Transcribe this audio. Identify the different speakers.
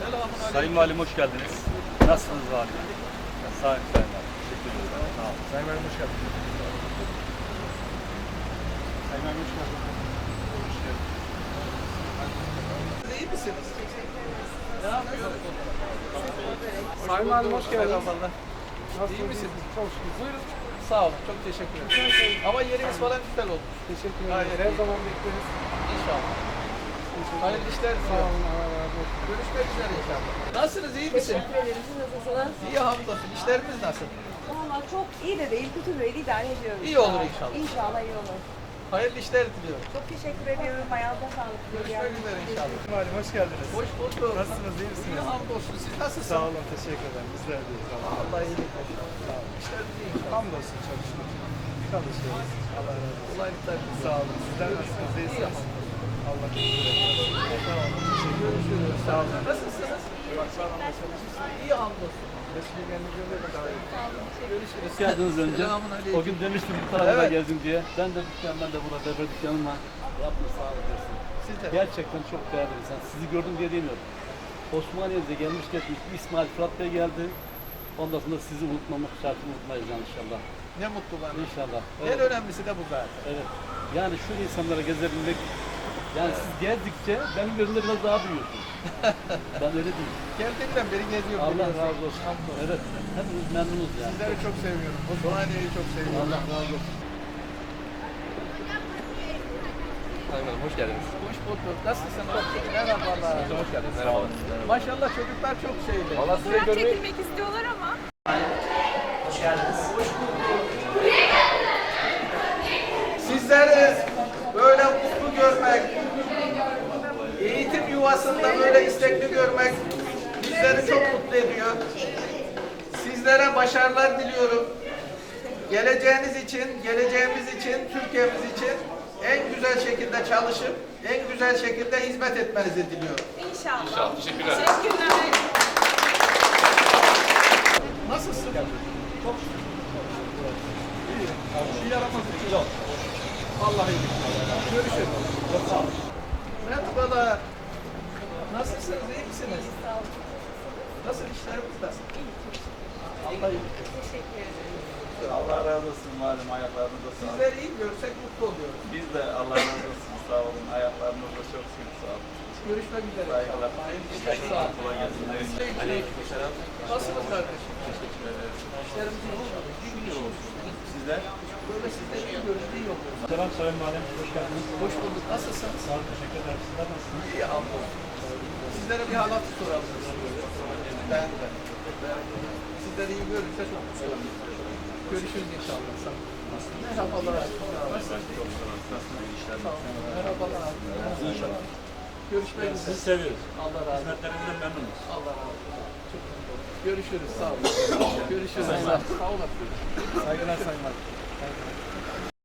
Speaker 1: Selamünaleyküm.
Speaker 2: Sayın Valim hoş geldiniz. Nasılsınız Valim? Sağ olun Sayın Valim. Teşekkür ederim. Sağ olun.
Speaker 1: Sayın Valim hoş geldiniz. Sayın Valim hoş geldiniz. Hoş geldiniz. İyi misiniz? Ne yapıyorsunuz? Sayın Valim hoş geldiniz. İyi misiniz? Çok şükür. Buyurun. Sağ olun. Çok teşekkür ederim. Ama yeriniz falan güzel olmuş.
Speaker 3: Teşekkür ederim. Her zaman bekleriz.
Speaker 1: İnşallah. Hayırlı işler diliyorum. Görüşmek üzere inşallah. Nasılsınız? İyi misiniz?
Speaker 4: Teşekkür ederim. Siz nasılsınız?
Speaker 1: İyi hamdolsun. İşlerimiz nasıl?
Speaker 4: Valla çok iyi de değil, kötü değil. İdare ediyoruz.
Speaker 1: İyi olur inşallah.
Speaker 4: İnşallah iyi olur.
Speaker 1: Hayırlı işler diliyorum.
Speaker 4: Çok teşekkür ediyorum. Ayağınıza sağlık.
Speaker 1: Görüşmek üzere inşallah.
Speaker 3: Valim hoş geldiniz.
Speaker 1: Hoş bulduk.
Speaker 3: Nasılsınız, iyi misiniz?
Speaker 1: İyi hamdolsun. Siz nasılsınız?
Speaker 3: Sağ olun, teşekkür ederim. Bizler deyiz.
Speaker 1: Allah iyilik versin. Sağ olun. İşlerimiz iyi inşallah.
Speaker 3: Hamdolsun, çok şükür. Çalışıyoruz. Allah razı olsun.
Speaker 1: Kolaylıklar diliyorum.
Speaker 3: Sağ olun. Sizler nasılsınız,
Speaker 1: İyi
Speaker 3: iyisiniz?
Speaker 1: hamdolsun.
Speaker 3: Allah teşekkür Sağ olun, teşekkür ederim.
Speaker 1: Görüşürüz.
Speaker 3: Sağ olun.
Speaker 1: Nasılsınız?
Speaker 3: Sağ olun, çalışıyorsunuz.
Speaker 1: İyi hamdolsun.
Speaker 3: Teşekkür ederim. De davet
Speaker 1: Görüşürüz.
Speaker 2: Hoş geldiniz önce.
Speaker 1: Selamünaleyküm.
Speaker 2: O gün demiştim bu tarafa
Speaker 1: Evet.
Speaker 2: gezdim diye. Ben de burada berber dükkanım var. Rabbim sağlık versin.
Speaker 1: Siz de.
Speaker 2: Gerçekten çok değerli bir insan. Sizi gördüm diye demiyorum. Osmaniye'de gelmiş geçmiş İsmail Fırat Bey geldi. Ondan sonra sizi unutmamak şartını unutmayız yani inşallah.
Speaker 1: Ne mutlu bana.
Speaker 2: İnşallah.
Speaker 1: En önemlisi de bu zaten.
Speaker 2: Evet. Yani şu insanlara gezebilmek, yani siz gezdikçe benim gözümde biraz daha büyüyorsunuz. Ben öyle değilim.
Speaker 1: Geldiğimden beri geziyorum.
Speaker 2: Allah
Speaker 1: biliyorsun.
Speaker 2: razı olsun.
Speaker 1: Hamdolsun.
Speaker 2: Evet. Hepimiz memnunuz yani.
Speaker 1: Sizleri çok seviyorum. Osmaniye'yi çok seviyorum.
Speaker 2: Allah razı olsun.
Speaker 5: Sayın Hanım, hoş geldiniz.
Speaker 1: Hoş bulduk. Nasılsın? Merhabalar.
Speaker 5: Hoş geldiniz. Merhabalar.
Speaker 1: Maşallah çocuklar çok şeyli.
Speaker 5: Valla size
Speaker 6: Fotoğraf
Speaker 5: görmeyi...
Speaker 6: çekilmek istiyorlar ama.
Speaker 1: Sizleri böyle mutlu görmek, eğitim yuvasında böyle istekli görmek bizleri çok mutlu ediyor. Sizlere başarılar diliyorum. Geleceğiniz için, geleceğimiz için, Türkiye'miz için en güzel şekilde çalışıp en güzel şekilde hizmet etmenizi diliyorum.
Speaker 6: İnşallah.
Speaker 5: İnşallah. Teşekkürler.
Speaker 6: Teşekkürler.
Speaker 1: Nasılsın? Çok şükür. İyi. Bir yaramaz için yok. Vallahi iyi. Görüşürüz. Çok sağ olun. Merhabalar. Nasılsınız? İyi misiniz?
Speaker 4: Sağ olun.
Speaker 1: Nasıl işlerimiz nasıl? Allah iyi.
Speaker 4: Teşekkür ederim.
Speaker 7: Allah razı olsun malum ayaklarınıza sağlık.
Speaker 1: Sizleri iyi görsek mutlu oluyoruz.
Speaker 7: Biz de Allah razı olsun sağ olun. Ayaklarınıza çok şükür sağ olun.
Speaker 1: Görüşmek üzere.
Speaker 7: Saygılar.
Speaker 1: Sağ olun.
Speaker 7: Kolay gelsin.
Speaker 1: Aleykümselam. Nasılsınız kardeşim?
Speaker 7: Teşekkür ederiz.
Speaker 1: İşlerimiz iyi oldu.
Speaker 7: Şükür olsun. Sizler?
Speaker 1: Böyle sizleri iyi görürüz, iyi oluyoruz.
Speaker 3: Selam Sayın Valim, hoş geldiniz.
Speaker 1: Hoş bulduk. Nasılsınız?
Speaker 3: Sağ olun, teşekkür ederim. Sizler nasılsınız?
Speaker 1: İyi hamdolsun. Sizlere bir halat soralım. Ben de. Sizleri iyi görürse çok mutlu olurum. Görüşürüz inşallah. Sağ olun. Merhabalar. Sağ olun. Merhabalar. Merhabalar. Görüşmek üzere.
Speaker 3: Sizi seviyoruz.
Speaker 1: Allah razı olsun.
Speaker 3: Hizmetlerinizden memnunuz.
Speaker 1: Allah razı olsun. Çok mutlu oldum. Görüşürüz. Sağ olun. Görüşürüz. Sağ olun.
Speaker 3: Saygılar Sayın Valim.